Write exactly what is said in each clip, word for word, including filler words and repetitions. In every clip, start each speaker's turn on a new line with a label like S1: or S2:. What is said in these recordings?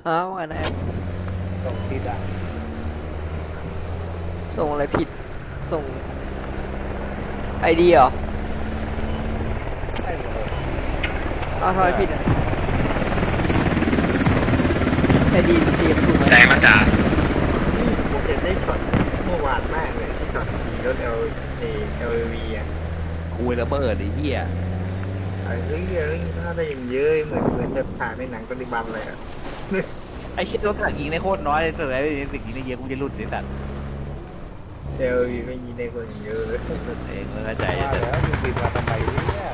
S1: ฮะว่าไงนะ
S2: ส่งผิดอ่ะ
S1: ส่งอะไรผิดส่งไอดีเหรอ
S2: ใช่เลย
S1: อ้าวทำไมผิดอ่ะไอดีเตรียมถูกไหม
S3: ใช่มาจ้า
S2: นี่ผมเห็นได้ช็อตเมื่อวานมากเลยที่ช็อตขี่รถเอลเอเอลวีอ่ะ
S4: คุยระเบิดไอ้เหี้ย
S2: ไอ้เรื่องเรื่องถ้าได้ยังเยอะเหมือนเหมือนจะถ่ายในหนังปฏิบัติเลยอ่ะ
S4: ไอ้เหี้ยรถถังยิงได้โคตรน้อยเลยแต่ไอ้สิ่งยิงได้เยอะกูจะหลุดไอ้สัตว์
S2: เอลวีไม่มีในคนอย่างเยอะเลย
S4: เองไม่เข้าใจ
S5: ว่า
S4: แต่
S5: แล้วมึงบินมาทำไมเนี่ย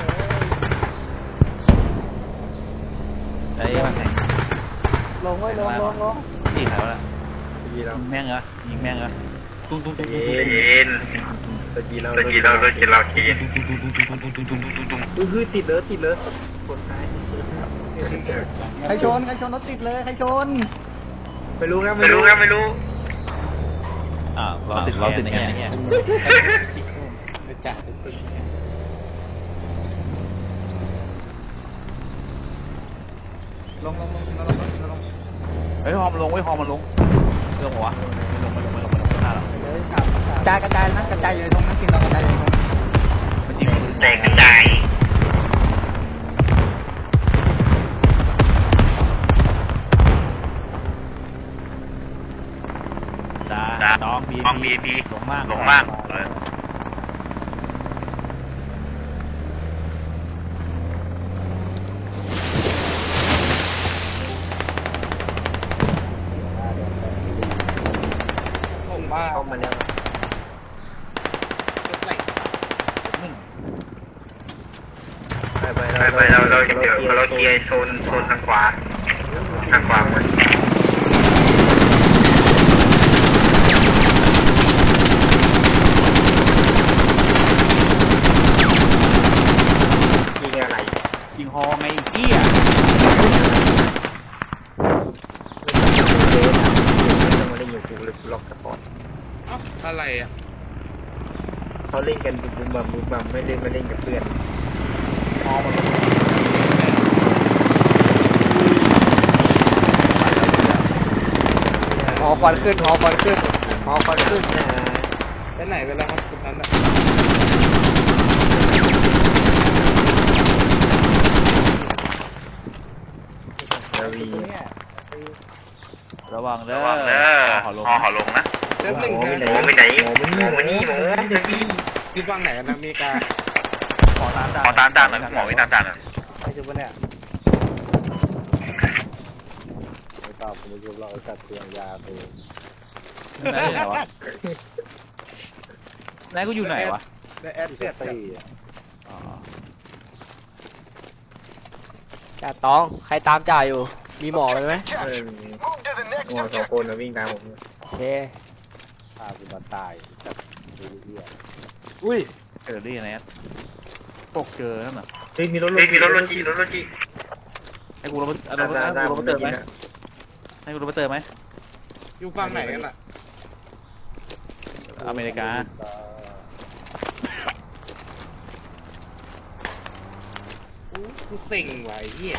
S4: ไอ้มัน
S5: ลงไว้ลงลงลง
S4: นี่ใครวะ
S2: ทีเรา
S4: ยิงแม่งเหรอยิงแม่งเหรอตุ้งตุ้งตุ้งตุ้ง
S2: เย็
S4: ตุ้ง
S2: น
S3: เย็น
S2: ตะกี้เรา
S3: ตะกี้เราตะกี้เราขี่
S2: คือติดเลยติดเลยกดท้าย
S5: ใครชนใครชนรถติดเลยใครชน
S2: ไม่รู้ครับ
S3: ไม่รู้ครับไม่รู้
S4: อ่าเราติดเราติดไงเนี่ย
S5: ไปจัด ลงลงลงลงลงลง
S4: เฮ้ยฮอมนลงเว้ยฮอมมันลงเรื่องหัวไม่ลงไม่ลงไม่ลงไม่ลงไม่น่าหรอก
S5: เลยขับกระจายกระจายนะกระจายอยู่ตรงนั้นกินเรากระจายอยู่ตรง
S4: มันยิง
S3: แตกกระจาย
S4: จ้าน้องบี
S3: ห้องบีพี
S4: หลงมาก
S3: หลงมากเออ
S5: ผมบ้า
S2: เข้ามาแล้ว ไปไป
S3: ไปไปเราเราเดี๋ยวเราเคลียร์โซนโซนทางขวาทางขวาหมด
S2: ยิงอะไร
S4: ยิงฮอไงเหี้ย
S2: ไม่ได้อยู่กูเลยล็อกสปอร์ต
S5: อะไรอ่ะ
S2: เขาเล่นกันบุมบัมบุมบัมไม่เล่นไม่เล่นกับเพื่อน
S4: ฮอมันลง
S1: หอควันขึ้นหอควันขึ้นหอควันขึ้น
S5: ไปไหนไปแล้วครับคุณนั้นอ่ะ
S2: เอลวี
S4: ระวังเด้
S3: ระ
S4: อ
S3: วังเด้อ
S4: ขอลง
S3: หอขอลงนะ
S5: เริ่มหนึ่ง
S2: หมอ
S5: นะ
S2: ไปไหน
S3: หมอไปไหนหมอมานี่หมอตะกี้
S5: อยู่ฝั่งไหนกันนะอเมริกา
S4: ขอตาม
S3: ขอตามตามหน่อยหมอไว้ตามตามหน่อย
S5: ใครจะมาเนี่ยไม่ตอบผมไม่รู้เราจัดเตียงยาไป
S4: ไหนไหนวะไหนกูอยู่ไหนวะ
S5: ได้แอดเสียตี
S4: อ๋อ
S1: จ่าตองใครตามจ่าอยู่ มีหมอไหมไหม
S2: เออหมอสองคนวิ่งตามผม
S1: โอเค
S5: พาคุณมาตายจับดูเหี้ย
S4: อุ้ยเจอได้ยังไงตกเจอนั่นน่ะ
S2: เฮ้ยมีรถ
S3: เฮ้ยมีรถรถจีรถรถจี
S4: ให้กูลงมาเอาลงมาให้กูลงมาเติมไหมให้กูลงมาเติมไหม
S5: อยู่ฝั่งไหนกันล่ะ
S4: อเมริกา
S5: อู้กูเซ็งว่ะไอ้เหี้ย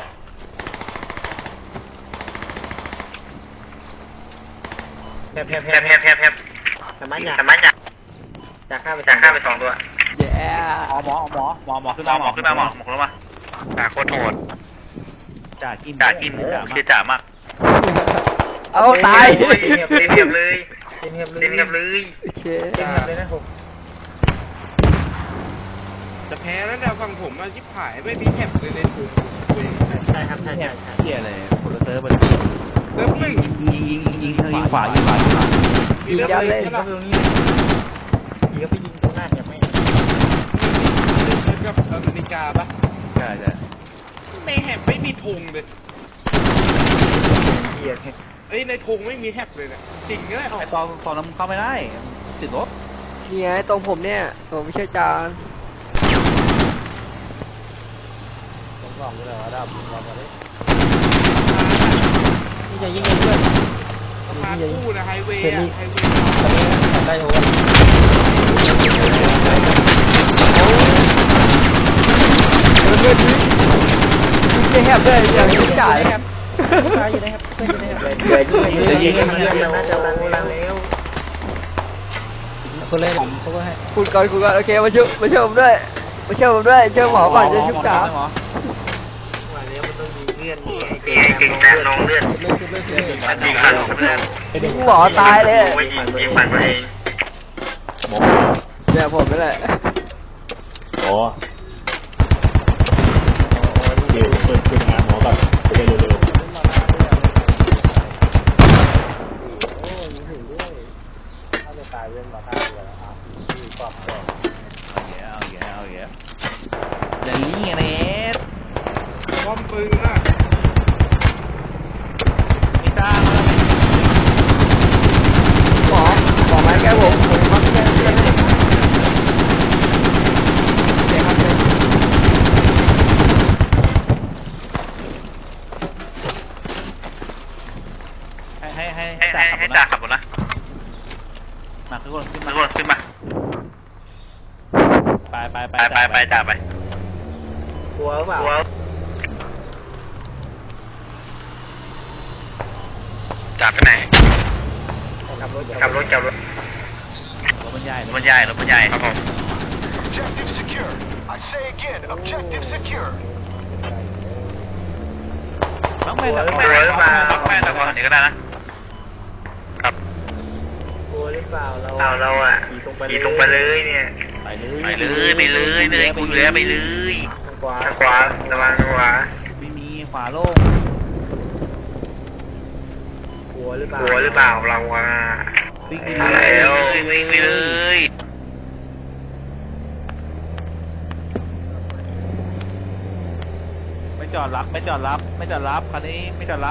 S2: แพบแพบแพ
S3: แพ
S2: บบ
S3: แพบแพบแพบ
S2: สมัยอยาก
S3: สมัยจาก
S2: จากข้าไป
S3: จากข้าไปสองตัว
S1: แย่
S4: หมอหมอหมอหมอหมอขึ้น
S3: หม
S4: มา
S3: อหมอขึ้นมาหมอหมอขึ้นมาจ่าโคตรโหด
S4: จ่ากิน
S3: จ่ากินเชี่ยจ่ามาก
S1: เอาตาย
S3: โอ้ยเต็มเทียบเลย
S2: เต็มเงียบเลย
S3: เต็มเทียบเลย
S1: เช
S2: เต็มเงียบเลยนะผม
S5: จะแพ้แล้วแต่ฝั่งผมอะยิบหายไม่มีแคปเลยในถุงคุย
S2: ใช่ครับใช่ใช่ใช่
S4: เที่ยเลยคนละเติมมัน
S5: เริ่มหนึ่ง
S4: ยิงยิงยิงยิงขวายิงขวายิงขวา
S1: ยิงยัดเลย
S2: ยิงเข้าไปตรงนี้ยิงเข้าไปยิงตรงหน้าเนี่ยไม่
S5: เริ่มกับอเมริกาปะ
S4: ใช่ใช่
S5: ในแฮปไม่มีธงเลย
S2: เกียร์
S5: เอ้ยในธงไม่มีแฮปเลยเนี่ยจริงเลย
S4: ไอตอนตอนนั้นเข้าไม่ได้ติดรถ
S1: นี่ไงตรงผมเนี่ยผมไม่ใช่จาน
S5: ผมลองดูเลยว่าดับลองมาดิ
S1: นี่จะยิงเองเพื่อน
S5: สะพานคู่นะไฮเวย์
S1: เห็น
S5: อะ
S1: นี่
S5: ไฮเวย์
S1: ได้โอ้ยเพื่อนดิยิงแหบเลยอย่างนี้จ่ายตายอยู่นะครับเพื่อนอยู่นะครับ
S2: เดี๋ยวยิงเดี๋ยวยิงเดี๋ยวยิงน่าจะลังลังแล้ว
S1: คนเลยผมเขาก็ให้คุณก่อนคุณก่อนโอเคมาช่วยมาช่วยผมด้วยมาช่วยผมด้วยช่วยหมอก่อนจะชุบขา
S4: หมอ
S2: ว่าแล้วมันต้องมีเงื่อนนี่ไง
S3: เก่งเก่งแต่น้องเลือดมันยิงผ่านเพื่อน
S1: ยิงหมอตายเลย
S3: ไม่ยิงยิงผ่านตัวเอง
S4: หมอ
S1: เนี่ยผมนี่แหละ
S6: อ๋อเดี๋ยวเปิดขึ้นงานหมอก่อนจะได้เร็ว
S4: เอาแย่เอาแย่เดลี่ไงเนส
S5: ป้อมปืนน่ะ
S4: ไม่กล้า
S1: หมอหมอไม้แก้ผมผมมาแก้เพื่อนให้เดี๋ยวครับเดี๋ยว
S4: ให้ให้ให้
S3: ให้ให้ให้จ่าขับรถนะ
S4: มาขึ้นรถขึ้น
S3: ขึ้
S4: มาน
S3: รถขึ้นมา
S4: ไปไปไป
S3: ไปไปไปจ่าไป
S2: กลัวเปล่า
S3: จ่าไปไหน
S2: ขับรถ
S3: ขับรถขับรถ
S4: รถบรรยาย
S3: รถใหญ่รถใหญ่ครับผม
S7: Objective secure. I say again, objective secure.
S4: น้องแม่น้อง
S3: เรือมาแม่ตะกอนนี้ก็ได้นะ ครับ
S2: กลัวหรือเปล่าเรา
S3: เอาเราอ่ะขี่ตรงไปเลยเนี่ย
S4: ไปเล
S3: ไป
S4: ย
S3: เลยไปเลยเลยกูเหลือไปเลย
S2: ทางขวา
S3: ทางขวาระวังทางขวา
S4: ไม่มีขวาโล่ง
S2: กลัวหรือเปล่าก
S3: ลัวหรือเปล่าเราอ่ะ
S4: วิ่งไป
S3: อะไร
S4: เลย
S3: แล้ววิ่งไปเลย
S4: ไม่จอดรับไม่จอดรับไม่จอดรับคันนี้ไม่จอดรับ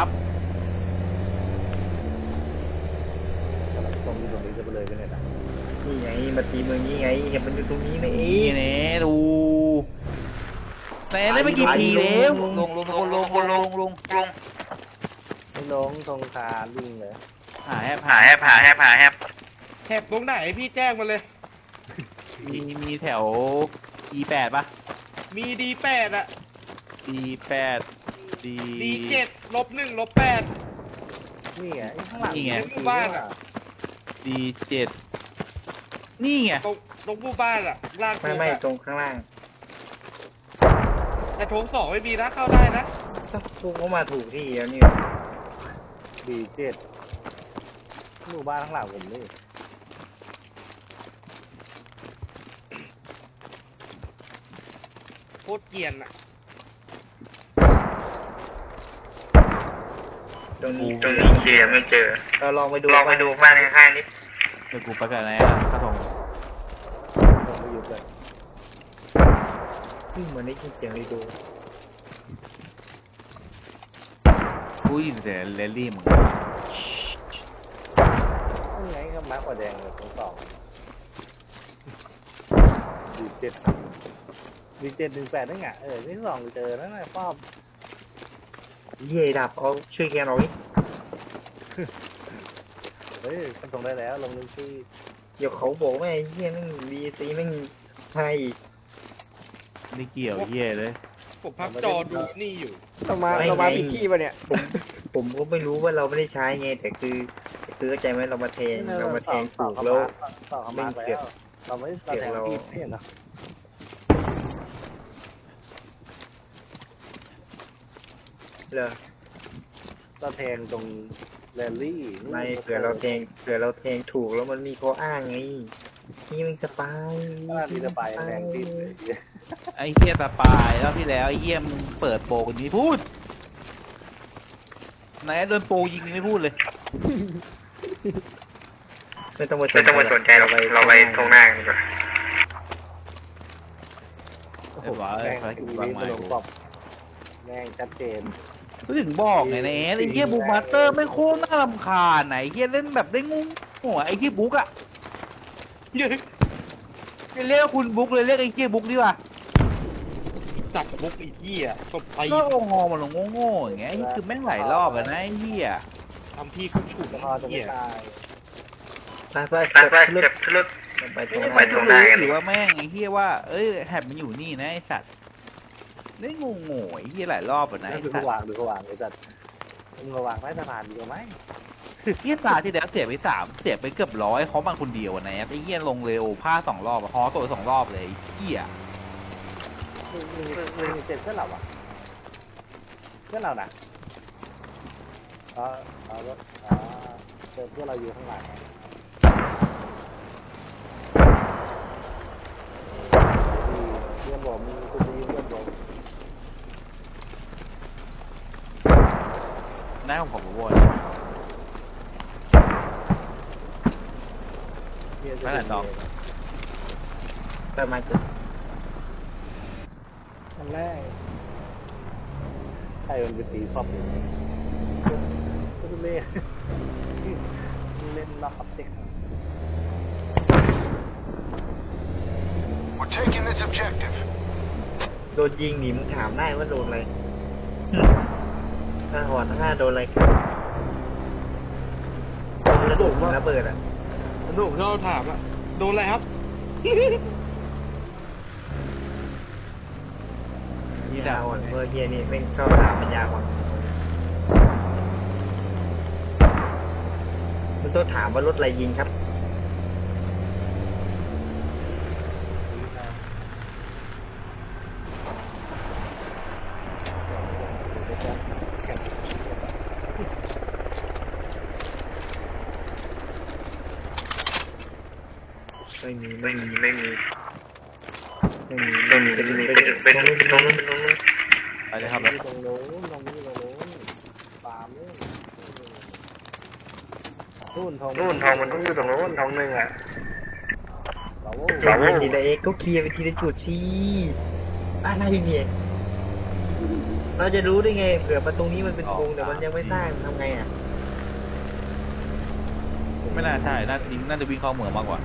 S2: นี่ไงมาตีเมืองนี้ไงเห็นมันอยู่ตรงนี้นะเอ
S4: นี่
S2: ง
S4: เน่ดูแต่ได้ไม่กี่ทีแล้วลงลงลงลงลงลงลงลง
S2: ไม่ลงตรงคาลิงเลย
S4: หาแฮป
S3: หาแฮบหาแฮบหาแฮบ
S5: แถบตรงไหนพี่แจ้งมาเลย
S4: มีมีแถว อี แปด ป่ะ
S5: มีดีแปดอะ
S4: อี แปด ดี
S5: ดีเจ็ดลบหนึ่งลบแปด
S2: นี่ไงข้างหลัง
S4: นี่ไง
S5: หมู่บ้านอะ
S4: ดี เจ็ด นี่ไง
S5: ตรงตรงหมู่บ้านอะลาก
S2: ไม่ไม่ตรงข้างล่าง
S5: แต่โถงสองไม่มีนะเข้าได้นะ
S2: พุ่งเข้ามาถูกที่แล้วนี่ดีเจ็ดหมู่บ้านข้างหลังผมนี่
S5: โคตรเกรียนอะ
S2: ตรงนี้
S3: ตรงนี้เคลียร์ไม่เจอ
S2: เราลองไปดู
S3: ลองไปดูบ้านข้างๆนิด
S4: เดี๋ยวกูไปกันนะข้าทง
S2: ลองไปดูกันเหมือนได้ยินเสียงเลยดู
S4: กูยินเสียงเลลี่มึง
S2: นี่ไงก็มาร์กกว่าแดงเลยตรงสองดีเจ็ดดีเจ็ดหนึ่งแปดนั่นไงเออที่สองเจอนั่นแหละป้อมเย่ดับเอาช่วยแกหน่อยเฮ้ยทำตรงได้แล้วลงนึงชื่อเดี๋ยวเขาบอกว่าไอ้เหี้ยนั่งดีซีนั่งไทย
S4: ไม่เกี่ยวเหี้ยเลย
S5: ผมพับจอดูนี่อยู่
S1: เรามาเรามาผิดที่ป่ะเนี่ย
S2: ผมผมก็ไม่รู้ว่าเราไม่ได้ใช้ไงแต่คือคือเข้าใจไหมเรามาแทงเรามาแทงถูกแล้วไม่เกี่ยวเราไม่เกี่ยวเราเหรอเราแทงตรงแรลลี่ไม่เผื่อเราแทงเผื่อเราแทงถูกแล้วมันมีข้ออ้างไงนี่มันสปายนี่สปายแรงติด
S4: ไอ้เหี้ยตาปลายแล้วที่แล้วไอ้เหี้ยมึงเปิดโปรกันนี้พูดไหนโดนโปรยิงไม่พูดเลย
S2: ไม่ต้องมา
S3: ไม่ต้องมาสนใจเราไปเราไปตรงหน้ากันดีกว่า
S4: เรียบร้อยภารกิจวางไม้กู
S2: แม่งชัดเจน
S4: ก็ถึงบอกไงเนสไอ้เหี้ยบุ๊กมาสเตอร์ไม่โคตรน่ารำคาญไหนเหี้ยเล่นแบบได้งงหัวไอ้เหี้ยบุ๊กอะไม่เรียกคุณบุ๊กเลยเรียกไอ้เหี้ยบุ๊กดีกว่า
S5: จับมุกอีกที่อะตบไป
S4: ก็งอมันลงโง่ๆอย่างเงี้ยไอ้คือแม่งหลายรอบอะนะไอ้เหี้ย
S5: ทำพี่เขาฉุดไอ้เหี้ย
S2: ไปไป
S3: ไปไปเก็บทุลุด
S2: ไปตรง
S3: ไปตรงหน้ากัน
S4: หรือว่าแม่งไอ้เหี้ยว่าเอ้ยแฮบมันอยู่นี่นะไอ้สัตว์ได้งงๆไอ้เหี้ยหลายรอบอะนะไอ้
S2: ดู
S4: สัต
S2: เขาวาง
S4: ว์
S2: ดูเขาวางไอ้สัตว์มึงระวังใต้สะพานดีกว่าไหม
S4: เฮียตาที่แล้วเสียไปสามเสียไปเกือบร้อยเขามันคนเดียวนะไอ้เฮียลงเร็วพลาดสองรอบอะฮอตัวสองรอบเลยไอ้เฮีย
S2: มึงมึงมึงเจ็บเพื่อนเราอ่ะเพื่อนเราน่ะเออเออเออเจอเพื่อนเราอยู่ข้างหลังเพื่อนบอกมีคนดีเพื่อนบอก
S4: หน้าของผมโว้ยไม่หลังดอกเติมมาจุด
S2: อันแรกใครมันเป็นสีชอบก็เล่นเล่นล็อกอัพเด็ก
S7: We're taking this objective.
S2: โดนยิงหนีมึงถามได้ว่าโดนอะไรถ้าหอดถ้าโดนอะไรโดนระเบิดระเบิดอ่ะ
S5: หนุ่มชอบถามอะโดนอะไรครับ
S2: นี่ดาวอ่อนเมื่อเฮียนี่เป็นชอบถามปัญญาอ่อนมันต้องถามว่ารถอะไรยิงครับไม่มีไม่มีไม่มีไม่มีไม่มีเป็นเป็นเป็นตรงนู้นเป็นตรงนู้น
S4: ไปเลยครับ
S2: ตรงนู้นตรงนี้ตรงนู้นฟาร์มนู้นนู่นทองนู่นทองมันต้องอยู่ตรงนู้นทองหนึ่งอ่ะเราเราทีละเอ็กก็เคลียร์ไปทีละจุดสิอะไรเนี่ยเราจะรู้ได้ไงเผื่อมาตรงนี้มันเป็นวงแต่มันยังไม่สร้างทำไงอ่ะ
S4: ไม่น่าใช่น่าจริงน่าจะวิ่งเข้าเมืองมากกว่า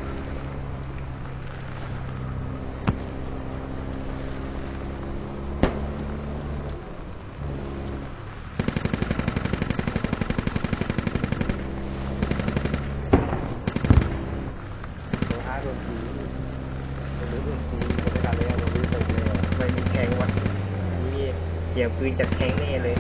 S2: ไม่มีแข็งวะนี่เสียงปืนจากแข็งแน่เลย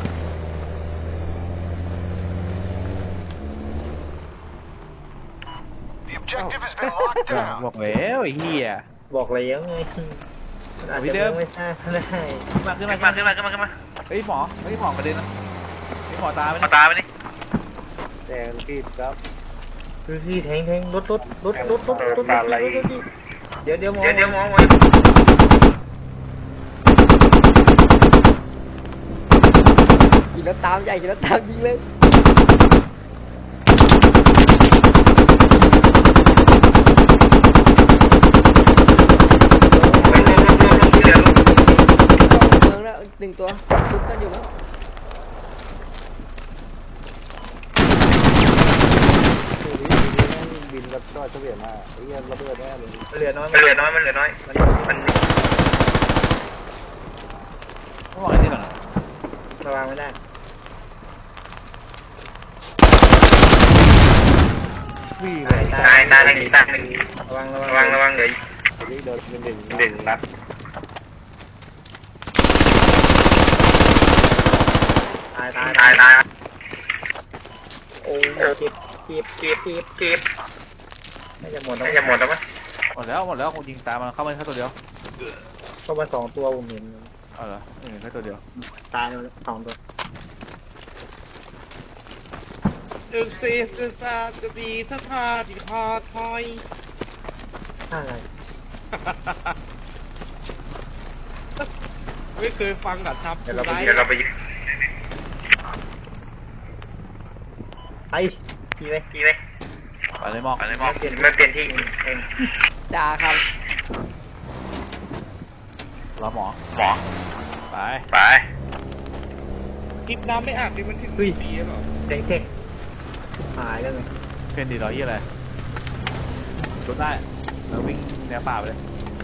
S7: The objective has been locked
S4: บอก
S7: down.
S4: แล้วไอ้เฮีย
S2: บอกแล้วไงอาจจะยังไม่ทราบก็ได้
S4: ขึ้นมาขึ้นมาขึ้นมาขึ้นมาขึ้นมาเฮ้ยหมอเฮ้ยหมอกระเด็นนะเฮ้ยหมอตาไปหมอตาไปนี่
S2: แดงพี่ครับคือพี่แทงแทงรถรถรถรถรถรถรถอะไรเดี๋ยวเดี๋ยวมองเดี๋ยวมอง
S1: ขี่รถตามใหญ่ขี่รถตามยิงเลยเมืองแล้วหนึ่งตัวทุบกันอยู่มั้ง
S2: บินกับก็เฉลี่ยมาไอ้เงี้ยระเบิดแน่เลยเหลือน้อยมันเหลือน้อยมันเหลือน้อยมันมัน
S4: ต้องบอกไอ้นี่ก่อนนะ
S2: ระวังไม่ได้วิ่งตายตายหนึ่งตายหนึ่งระวังระวังระวังเดี๋ยวโดนเป็นหนึ่งหนึ่งนัดตายตายตายตายโอ้เจ็บเจ็บเจ็บเจ็บเจ็บน่าจะหมดแล้วน่าจะหมดแล้วมั้ย
S4: หมดแล้วหมดแล้วคงยิงตามมันเข้ามาแค่ตัวเดียว
S2: เข้ามาสองตัวผมเห็น
S4: เอาเหรอเออแค่ตัวเดียว
S2: ตายแล้วสองตัว
S5: อึกซีศึกษาจะดีสถาดีพอทอย
S2: อะไร
S5: ไม่เคยฟังกับทับ
S2: เดี๋ยวเราไป
S5: ไลฟ์
S2: เดี๋ยวเราไปไปขี่ไหมขี่ไหม
S4: ไปเลยหมอก
S2: ไปเลยมองไม่เปลี่ยนที่เอง
S1: จ่าครับ
S4: รอหมอ
S2: หมอ
S4: ไป
S2: ไป
S5: คลิปน้ำไม่อาบดิมันถึงปีหรอ
S2: เด็กเด็กหายแล้วไง
S4: เพื่อนดีร้อยยี่อะไรรถได้แล้ววิ่งแนวป่าไปเลย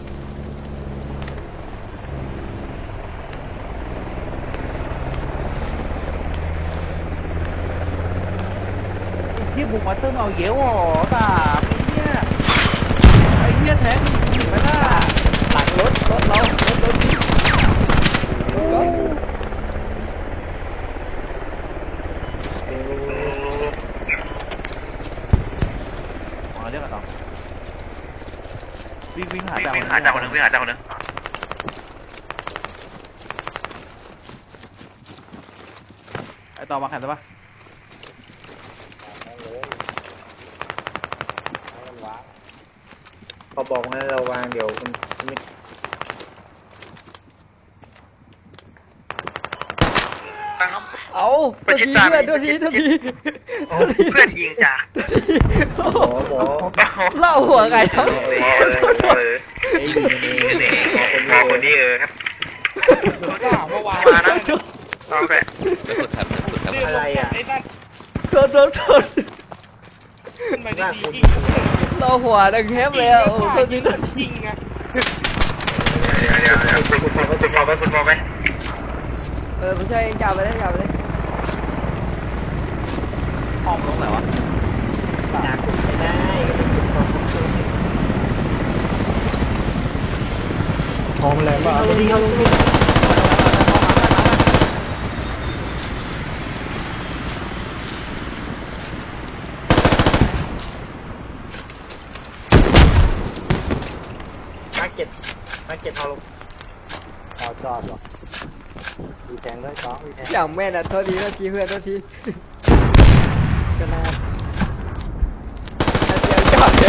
S4: ที่บุกมาเติมเอาเยอะหรอตาไอ้เหี้ยไอ้เหี้ยแท้จริงไหมล่ะ
S1: หลังรถรถเรารถรถยิงรถ
S3: หาจากคนนึงวิ่งหาจากคนนึง
S4: ไอต่อมาแข่งได้ปะ
S2: พอบอกให้เราวางเดี๋ยวมันไม่
S1: เอาตัวทีเพื่อนตัวทีตัวที
S3: เพื่อนยิงจ้ะ
S1: โอ้
S2: หมอหมอ
S1: เล่าหัวไงครับ
S3: หมอเลยหมอเลยไอ้ยิงนี่หมอคนนี้เออครับ
S5: ว่าเมื่อวาน
S3: มานะต้องแปะ
S2: อะไรอ่ะ
S5: ไอ้นั่น
S1: โทษโทษโทษ
S5: ขึ้นไปดีๆยิง
S1: เล่าหัวดังแคบเลยอ่ะโอ้ตัวทีตัวที
S5: ยิงอะ
S3: เดี๋ยวเดี๋ยวเดี๋ยวคุณหมอคุณหมอไปคุณหมอไป
S1: เออผมช่วยเองจับไปเลยจับไปเลย
S4: ห้องตรงไหนวะ
S2: อยากขุดไม่ได้ก็เป็นขุดของขุดตัวหอมแรงบ้าลงดิลงดิมาเก็ตมาเก็ตเอาลงเอาจอดหรอมีแทงด้วยซ้อมมีแทง
S1: อย่างแม่นอ่ะโทษทีโทษทีเพื่อนโทษทีก็น่าเดี๋ยวจอดเลย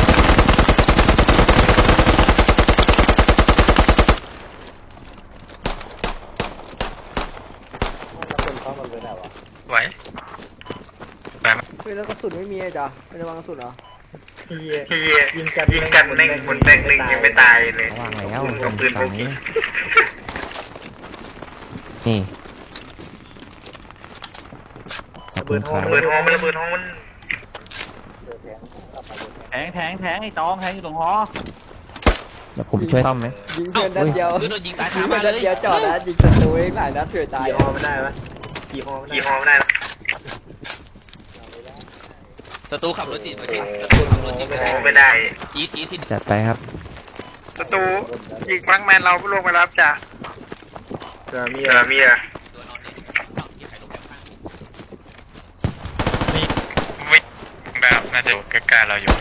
S3: ไหวไปไหม
S1: เฮ้ยแล้วกระสุนไม่มีอ่ะจ้ะไม่ได้วางกระสุนเหรอ
S2: เฮีย
S3: พี่ยิงกันยิงกันแม่งหมุนแม่งหนึ่งยังไม่ตายเลย
S8: ว่างแล้ว
S3: เอาปืนพกยิง
S8: นี่
S2: ระเบิดห้อง
S3: ระเบิดห้องมันระเบิดห้องมัน
S4: แทงแทงแทงไอ้ตองแทงอยู่ตรงหอ
S8: เดี๋ยวผมช่วยซ่อมไหม
S1: ยิงเพื่อนนัดเดียว
S4: หรือโดนยิงตาย
S1: ยิ
S4: คาง
S1: เพื่
S4: มา
S1: อน
S4: เล
S1: นัด
S4: ย
S1: เดียวจอดนะยิงศัตรูเองหลายนัดเสือตาย
S2: กี่ฮอไม่ได้ปะกี่ฮอไม่ได้
S3: กี่ห้องไม่ได้หรอ
S4: ศัตรูขับรถจีบไป
S3: โอ้
S4: ที่
S3: โห
S4: ศัตรูขับรถจีบไปที่
S3: ไม่ได้
S4: จี๊ดจี๊ดที่
S8: จัดไปครับ
S3: ศัตรูยิงบังแมนเราลงไปรับจ้ะ
S2: เออมี
S3: เออมีอะไม่แบบน่าจะใกล้ๆเราอยู่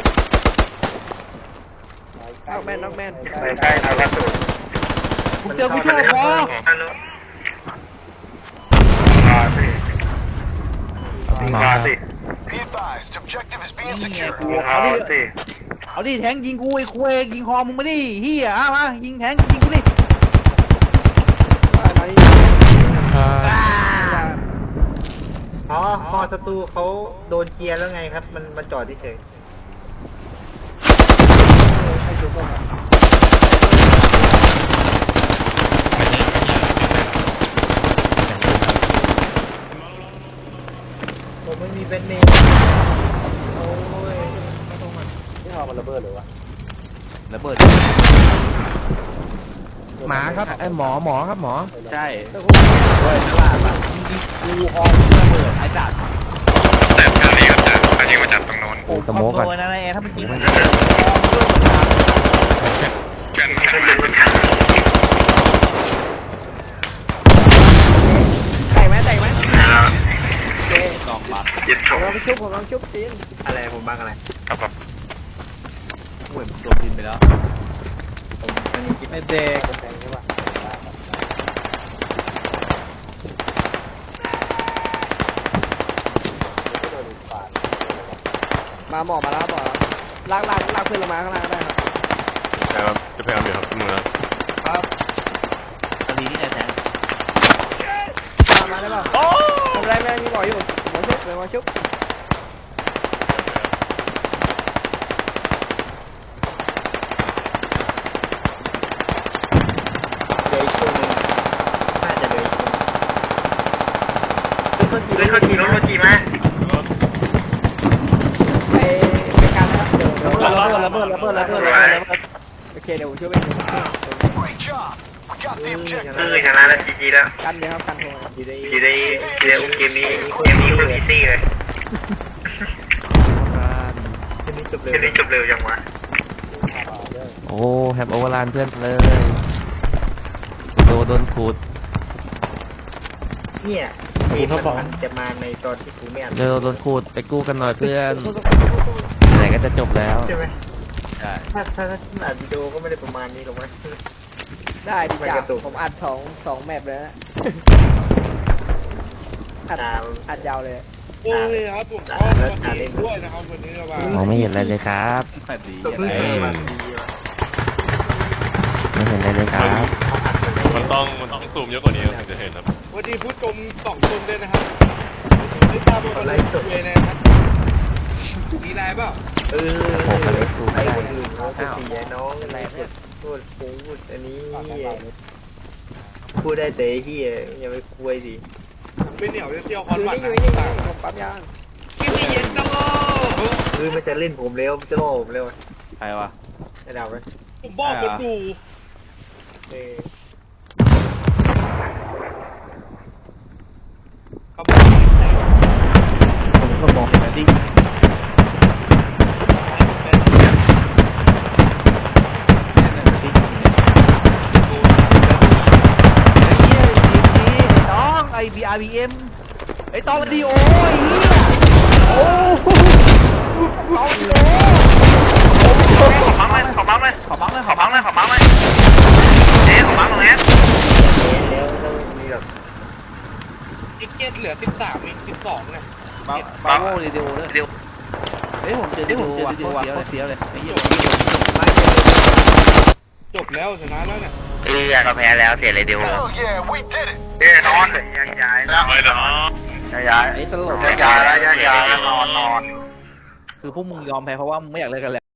S1: น็อกแม่นน็อกแม่น
S3: ไปใกล้เราแล้วสุด
S4: ผมเจอผู้ช่วยพอ
S3: มาสิ
S8: มา
S3: มาสิ
S7: Be advised, objective is being
S4: นี่ไง
S7: secured.
S4: กู
S3: มา
S4: เอาดิ
S3: สิ
S4: เอาดิแทงยิงกูไอ้คุยยิงคอมึงมาดิเฮียมายิงแทงยิงกูดิ
S1: มาดิ
S2: อ๋อฮอศัตรูเขาโดนเกียร์แล้วไงครับ มันมันจอดเฉย
S1: ให้ชุบก่อน
S2: ผมไม่มีแบนเนมโอ้ย
S8: ที่ฮอมันระเบิดเลยวะ
S4: ระเบิด
S8: หมาครับไอหมอหมอครับหมอ
S4: ใช่
S1: ตะคุ
S4: เฮ้ยตลาดอ่ะยิงกูฮอระเบิดไอ้สัตว์
S3: แต่แถวนี้ก็จะเขายิงมาจากตรงโน้น
S8: โอ้สโมกก่อน
S4: โดนนะไอ้ถ้ามันยิงมัน
S3: กันกันกัน
S1: แตกไหมแตกไหมโอเค
S4: สองบาท
S3: ยึด
S1: ผ
S3: ถ
S1: ม
S3: ง
S1: ลองไปชุบผมลองชุบซีน
S2: อะไรผมบ้างอะไร
S3: ครับผม
S4: เหมือนโดนดินไปแล้ว
S2: ผมมันยังคิด
S4: ไอ้เด็ก
S1: มาหมอมาแล้วหมอลากลากลากเพื่อนลงมาข้างล่างก็ได้ครับ
S6: ครับจะพยายามอยู่ครับมือ
S4: ครับตอนนี้นี่ไงแทง
S1: มามาได้ป่ะทำไรไม่ได้มีหมออยู่หมอชุบหมอชุบ
S2: เดี๋ยวอีกช่วงนึงน่าจะเดี๋ยวอีกช่วง
S3: เฮ้ยเขาขี่รถรถขี่มา
S1: ไปไปกันนะครับเดี๋ยวเดี๋ยว
S4: ระเบิดระเบิดระเบิดระเบิดระเบิดระเบิด
S1: โอเคเดี๋ยวผมช่วยไปดู
S7: Great job. We got the
S3: เอ
S7: objective.
S3: อชนะแล้วจีจีแล้ว
S1: กันเดี๋ยวครับกันโทร
S2: อยู่ใน
S3: จีได้จีได้เกมนี้เกมนี้คนอีซี่เลย
S2: ทีนี้จบเลย
S3: เกมนี้จบเร็วจังวะ
S8: โอ้แฮปโอเวอร์ลานเพื่อนเลยโดนโดนขูด
S2: เนี่ยเกมมันจะมาในตอนที่กูไม่อ่าน
S8: เร็วโดนขูดไปกู้กันหน่อยเพื่อนไหนก็จะจบแล้ว
S2: ใช่ไหม
S4: ใช่
S2: ถ้าถ้าถ้าอัดวิดีโอก็ไม่ได้ประมาณนี้หรอกมั้ย
S1: ได้ดิ
S2: ไม่
S1: จ้ะ
S2: กระตุก
S1: ผมอัดสองสองแมปเลยนะอัด
S2: อ่า
S1: อัดยาวเลย
S5: โอ้ยครับผมขอสวัสดีด้วยนะครับวันนี้ครับ
S8: มองไม่เห็นอะไรเลยครับ
S4: แปดดี
S2: ก็
S4: อะ
S2: เพิ่ง
S4: ไร
S2: เจอมาดีว่ะ
S8: ไม่เห็นอะไรเลยครับ
S6: มันต้องมันต้องซูมเยอะกว่านี้ถึงจะเห็นครับ
S5: วันนี้ผู้ชมสองคนด้วยนะครับไม่ทราบว่าอะไรจบเลยนะครับมีอะไรเปล่า
S2: เออ
S8: โอ้โหเล็กดูไม่
S2: ไอ้
S8: ได้
S2: คนอื่นเขาจะเสียน้องอะไรพูดพูดอันนี้พูดได้แต่ที่อย่าไปคุยดิ
S5: ไม่เหนียวจะเที่ยวค
S1: อ
S5: อน
S1: ยู่
S5: วัน
S1: นี่อ
S5: นะ
S1: ยู่นี่ผมปั๊มยาง
S5: กินไม่เย็นจังเลย
S2: คือมันจะเล่นผมเร็วมันจะล่อผมเร็ว
S4: ใครวะ
S2: จะดับไหม
S5: ผมบอกมันดู
S2: เออ
S5: เขาบอก
S4: ผมก็มองเห็นแล้วดิน้องไอบีอาร์บีเอ็มไอตอนดีโอไอ้เหี้ยโอ้ตอนดีโอ
S3: ขอบังเลยขอบังเลย
S4: ขอบังเลย
S3: ขอบังเลยขอบังเลยเอ๊ะขอบังตรงนี้
S2: แล้วแล้วมีแบบ
S5: ไอ้เจ็ดเหลือสิบสามอีกสิบสองเนี่ย
S4: บาบาโวเรดิโอเลย
S3: เดี๋ยว
S4: เฮ้ยผมเจอเดี๋ยวผมเจอเดี๋ยวว่ะโคตรเสียวเลยไอ้เหี้ย
S5: จบแล้วชนะแล้วเนี่ย
S3: เอ้ยก็แพ้แล้วเสียเลยเดียว
S7: Hell yeah, we did it.
S3: เอ้ยนอนย้ายย้าย
S6: ไม่หรอ
S3: ย้าย
S4: ไอ้ตลก
S3: ย้ายย้ายย้ายนอนนอน
S4: คือพวกมึงยอมแพ้เพราะว่ามึงไม่อยากเล่นกันแล้ว